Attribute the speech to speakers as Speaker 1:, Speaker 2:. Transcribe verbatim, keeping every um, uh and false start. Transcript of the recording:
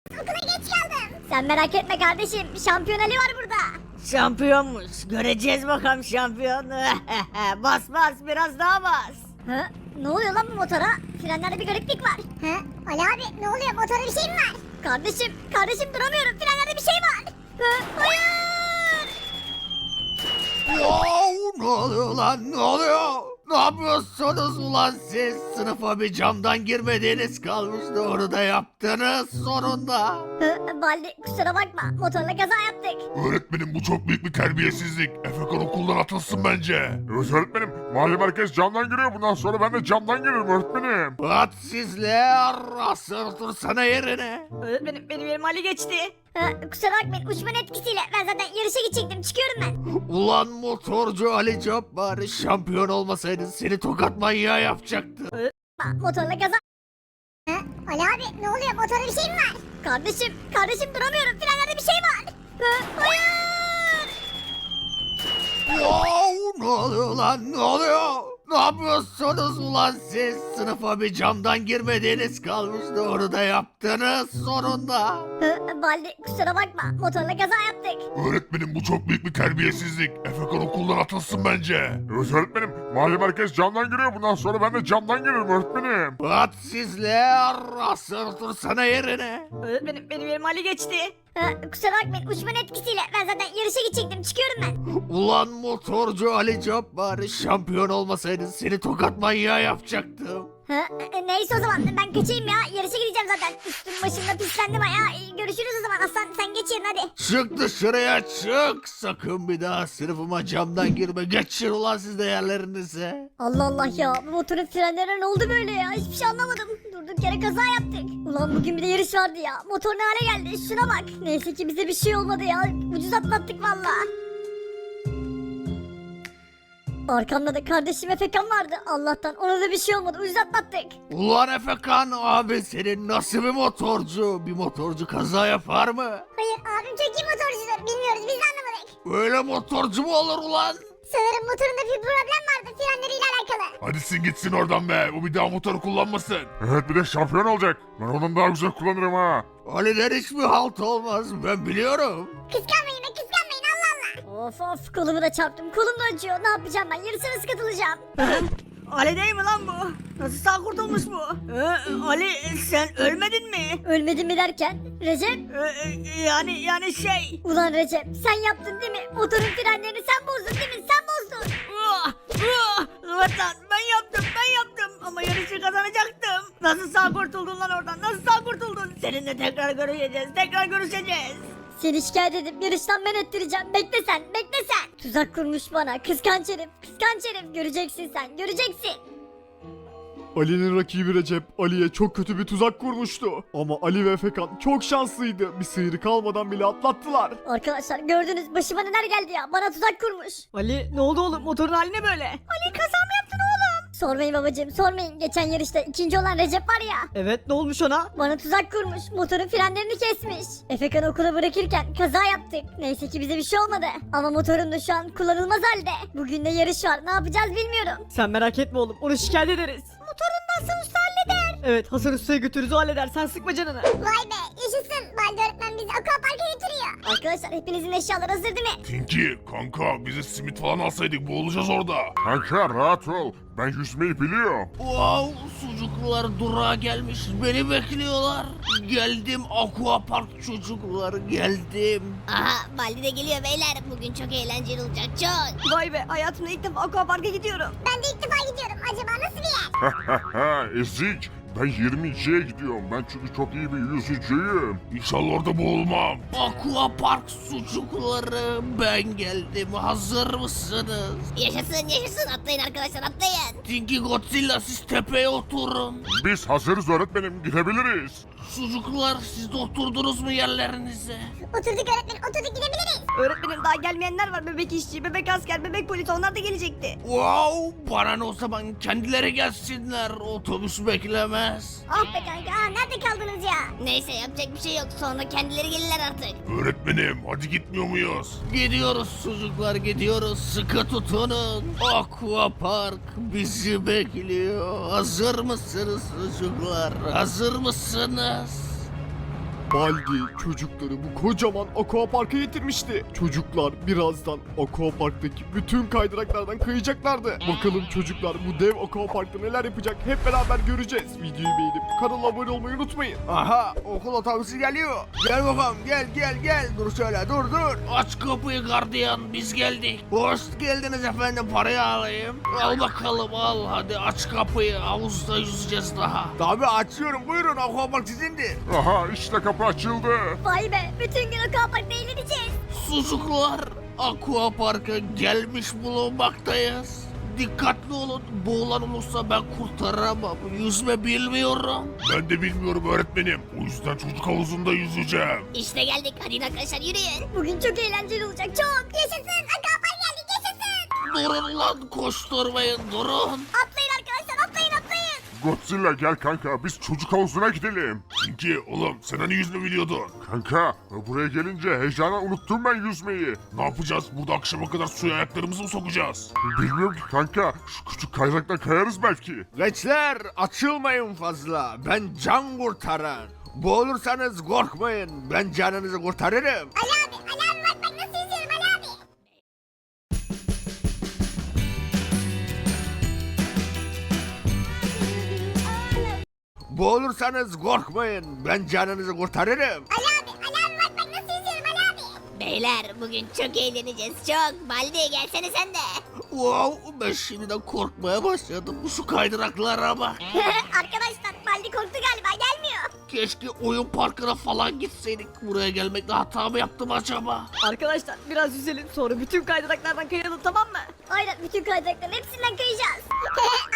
Speaker 1: Okula geç kaldım.
Speaker 2: Sen merak etme kardeşim. Şampiyon Ali var burada.
Speaker 3: Şampiyonmuş. Göreceğiz bakalım şampiyon. Bas bas biraz daha bas.
Speaker 2: Hı? Ne oluyor lan bu motora? Frenlerde bir gariplik var.
Speaker 1: Hı? Ali abi ne oluyor, motorda bir şey mi var?
Speaker 2: Kardeşim, kardeşim duramıyorum. Frenlerde bir şey var. Hı? Hayır!
Speaker 4: Wow, ne oluyor lan, ne oluyor? Ne yapıyorsunuz ulan siz? Sınıfa bir camdan girmediğiniz kalmıştı, onu da yaptınız sonunda.
Speaker 2: Hı? Baldi kusura bakma. Motorla kaza yaptık.
Speaker 5: Öğretmenim bu çok büyük bir terbiyesizlik. Efekan okuldan atılsın bence. Evet öğretmenim. Mahalle merkez camdan giriyor. Bundan sonra ben de camdan giririm öğretmenim.
Speaker 4: Hadsizler, asıl otursana yerine.
Speaker 3: Öğretmenim benim yerim Ali geçti.
Speaker 2: Hı? Kusura bakmayın. Uçmanın etkisiyle. Ben zaten yarışa gidecektim. Çıkıyorum ben.
Speaker 4: Ulan motorcu Ali Cabbar, şampiyon olmasaydın seni tokat manyağı yapacaktı.
Speaker 2: Aa, Motorla kaza...
Speaker 1: Hı? Ali abi ne oluyor, motorda bir şey mi var?
Speaker 2: Kardeşim, kardeşim duramıyorum. Frenlerde bir şey var. Hı? Hayır!
Speaker 4: Wow, ne oluyor lan, ne oluyor? Ne yapıyorsunuz ulan siz? Sınıfa bir camdan girmediğiniz kalmıştı, onu da yaptınız sonunda.
Speaker 2: Hı? Baldi kusura bakma. Motorla kaza yaptık.
Speaker 5: Öğretmenim bu çok büyük bir terbiyesizlik. Efekan okuldan atılsın bence. Evet öğretmenim. Mahalle merkez camdan giriyor. Bundan sonra ben de camdan giririm öğretmenim.
Speaker 4: Hadsizler, asıl otursana yerine.
Speaker 3: Öğretmenim benim yerim Ali geçti.
Speaker 2: Hı? Kusura bakmayın. Uçmanın etkisiyle. Ben zaten yarışa gidecektim. Çıkıyorum ben.
Speaker 4: Ulan motorcu Ali Cabbar, şampiyon olmasaydın seni tokat manyağı yapacaktım.
Speaker 2: Hı? E, Neyse o zaman ben kaçayım ya. Yarışa gideceğim zaten. Üstüm başımda pislendim ya. E, Görüşürüz o zaman. Aslan sen geç yerine hadi.
Speaker 4: Çık dışarıya çık. Sakın bir daha sınıfıma camdan girme. Geçin ulan siz de yerlerinize.
Speaker 2: Allah Allah ya. Bu motorun frenlerine ne oldu böyle ya? Hiçbir şey anlamadım. Durduk yere kaza yaptık. Ulan bugün bir de yarış vardı ya. Motor ne hale geldi? Şuna bak. Neyse ki bize bir şey olmadı ya. Ucuz atlattık valla. Arkamda da kardeşim Efekan vardı. Allah'tan ona da bir şey olmadı. Ucuz atlattık.
Speaker 4: Ulan Efekan abi, senin nasıl bir motorcu? Bir motorcu kaza yapar mı?
Speaker 1: Hayır, abim çok iyi motorcudur. Bilmiyoruz, biz de anlamadık.
Speaker 4: Öyle motorcu mu olur ulan?
Speaker 1: Sanırım motorunda bir problem vardı, frenleriyle alakalı.
Speaker 5: Hadi sin gitsin oradan be. Bu bir daha motoru kullanmasın. Evet bir de şampiyon olacak. Ben ondan daha güzel kullanırım ha.
Speaker 4: Ali'den hiçbir halt olmaz, ben biliyorum.
Speaker 1: Kıskanmayın be, kıskanmayın, Allah Allah.
Speaker 2: Of of kolumu da çarptım. Kolum da acıyor. Ne yapacağım ben? Yarışa nasıl katılacağım?
Speaker 3: Ali değil mi lan bu? Nasıl sağ kurtulmuş bu? Ee, Ali sen ölmedin mi?
Speaker 2: Ölmedim mi derken? Recep?
Speaker 3: Ee, yani yani şey.
Speaker 2: Ulan Recep sen yaptın değil mi? Motorun frenlerini sen bozdun değil mi? Sen bozdun.
Speaker 3: Ah, ah, evet lan ben yaptım ben yaptım ama yarışı kazanacaktım. Nasıl sağ kurtuldun lan oradan? Nasıl sağ kurtuldun? Seninle tekrar görüşeceğiz. Tekrar görüşeceğiz.
Speaker 2: Seni şikayet edip yarıştan men ettireceğim. Bekle sen, bekle sen. Tuzak kurmuş bana. Kıskanç herif, kıskanç herif. Göreceksin sen, göreceksin.
Speaker 6: Ali'nin rakibi Recep Ali'ye çok kötü bir tuzak kurmuştu. Ama Ali ve Efekan çok şanslıydı. Bir sıyrık almadan bile atlattılar.
Speaker 2: Arkadaşlar gördünüz başıma neler geldi ya. Bana tuzak kurmuş.
Speaker 3: Ali ne oldu oğlum? Motorun hali ne böyle?
Speaker 2: Ali kaza mı yaptın oğlum? Sormayın babacığım, sormayın. Geçen yarışta ikinci olan Recep var ya.
Speaker 3: Evet ne olmuş ona?
Speaker 2: Bana tuzak kurmuş. Motorun frenlerini kesmiş. Efekan okula bırakırken kaza yaptık. Neyse ki bize bir şey olmadı. Ama motorum da şu an kullanılmaz halde. Bugün de yarış var. Ne yapacağız bilmiyorum.
Speaker 3: Sen merak etme oğlum. Onu şikayet ederiz.
Speaker 2: Motorun Hasan Usta halleder.
Speaker 3: Evet Hasan Usta'ya götürürüz o halleder. Sen sıkma canını.
Speaker 1: Vay be, yaşasın. Baldi öğretmen bizi aquaparka götürüyor.
Speaker 2: Arkadaşlar hepinizin eşyaları hazır değil mi?
Speaker 5: Tinky kanka bize simit falan alsaydık boğulacağız orada. Kanka rahat ol. Ben yüzmeyi biliyorum.
Speaker 4: Wow, sucuklar durağa gelmiş, beni bekliyorlar. Geldim Aqua Park çocuklar, geldim.
Speaker 1: Aha, Baldi de geliyor beyler. Bugün çok eğlenceli olacak, çok.
Speaker 3: Vay be hayatımda ilk defa aquaparka gidiyorum.
Speaker 1: Ben de ilk defa gidiyorum. Acaba nasıl bir yer?
Speaker 5: Ezik. Ben yirmi ikiye gidiyorum. Ben çünkü çok iyi bir yüzücüyüm. İnşallah orada boğulmam.
Speaker 4: Aqua Park sucukları, ben geldim, hazır mısınız?
Speaker 1: Yaşasın, yaşasın. Atlayın arkadaşlar, atlayın.
Speaker 4: Tinky Godzilla, siz tepeye oturun.
Speaker 5: Biz hazırız öğretmenim. Gidebiliriz.
Speaker 4: Sucuklar, siz de oturdunuz mu yerlerinize?
Speaker 1: Oturduk öğretmen, oturduk, gidebiliriz.
Speaker 3: Öğretmenim daha gelmeyenler var. Bebek işçi, bebek asker, bebek polis onlar da gelecekti.
Speaker 4: Wow, bana ne o zaman, kendileri gelsinler, otobüs beklemez.
Speaker 1: Oh be kanka, aa, nerede kaldınız ya? Neyse yapacak bir şey yok. Sonra kendileri gelirler artık.
Speaker 5: Öğretmenim hadi gitmiyor muyuz?
Speaker 4: Gidiyoruz çocuklar, gidiyoruz, sıkı tutunun. Aqua Park bizi bekliyor. Hazır mısınız çocuklar, hazır mısınız?
Speaker 6: Baldi çocukları bu kocaman aquaparka getirmişti. Çocuklar birazdan aquaparktaki bütün kaydıraklardan kayacaklardı. Bakalım çocuklar bu dev aquaparkta neler yapacak hep beraber göreceğiz. Videoyu beğenip kanala abone olmayı unutmayın.
Speaker 4: Aha okul otobüsü geliyor. Gel bakalım gel gel gel. Dur şöyle dur dur. Aç kapıyı gardiyan biz geldik. Hoş geldiniz efendim parayı alayım. Al bakalım al hadi aç kapıyı. Havuzda yüzeceğiz daha. Tabii açıyorum buyurun aquapark sizindir.
Speaker 5: Aha işte kapı açıldı.
Speaker 2: Vay be bütün gün aquaparkta eğleneceğiz.
Speaker 4: Sucuklar aquaparka gelmiş bulunmaktayız. Dikkatli olun boğulan olursa ben kurtaramam. Yüzme bilmiyorum. Ben de bilmiyorum öğretmenim. O yüzden çocuk havuzunda yüzeceğim.
Speaker 1: İşte geldik hadi arkadaşlar yürüyün.
Speaker 2: Bugün çok eğlenceli olacak çok. Yaşasın aquapark geldik yaşasın.
Speaker 4: Durun lan koşturmayın durun.
Speaker 2: Atlayın arkadaşlar atlayın atlayın.
Speaker 5: Godzilla gel kanka biz çocuk havuzuna gidelim.
Speaker 4: Çünkü oğlum sen hani yüzme biliyordun.
Speaker 5: Kanka buraya gelince heyecana unuttum ben yüzmeyi.
Speaker 4: Ne yapacağız? Burada akşama kadar suya ayaklarımızı mı sokacağız?
Speaker 5: Bilmiyorum ki kanka şu küçük kaydıraktan kayarız belki.
Speaker 4: Gençler açılmayın fazla. Ben can kurtaran. Boğulursanız korkmayın. Ben canınızı kurtarırım.
Speaker 2: Ali abi Ali abi bak bak nasıl yüzüyorum Ali abi.
Speaker 4: Boğulursanız korkmayın. Ben canınızı kurtarırım.
Speaker 2: Ali abi Ali abi bak bak nasıl yüzüyorum Ali abi.
Speaker 1: Beyler bugün çok eğleneceğiz çok. Baldi gelsene sen de.
Speaker 4: Wow ben şimdiden korkmaya başladım. Şu kaydıraklara bak.
Speaker 2: Arkadaşlar Baldi korktu galiba gelmiyor.
Speaker 4: Keşke oyun parkına falan gitseydik. Buraya gelmekle hata mı yaptım acaba?
Speaker 3: Arkadaşlar biraz yüzelim sonra bütün kaydıraklardan kayalım tamam mı?
Speaker 2: Aynen bütün kaydırakların hepsinden kayacağız.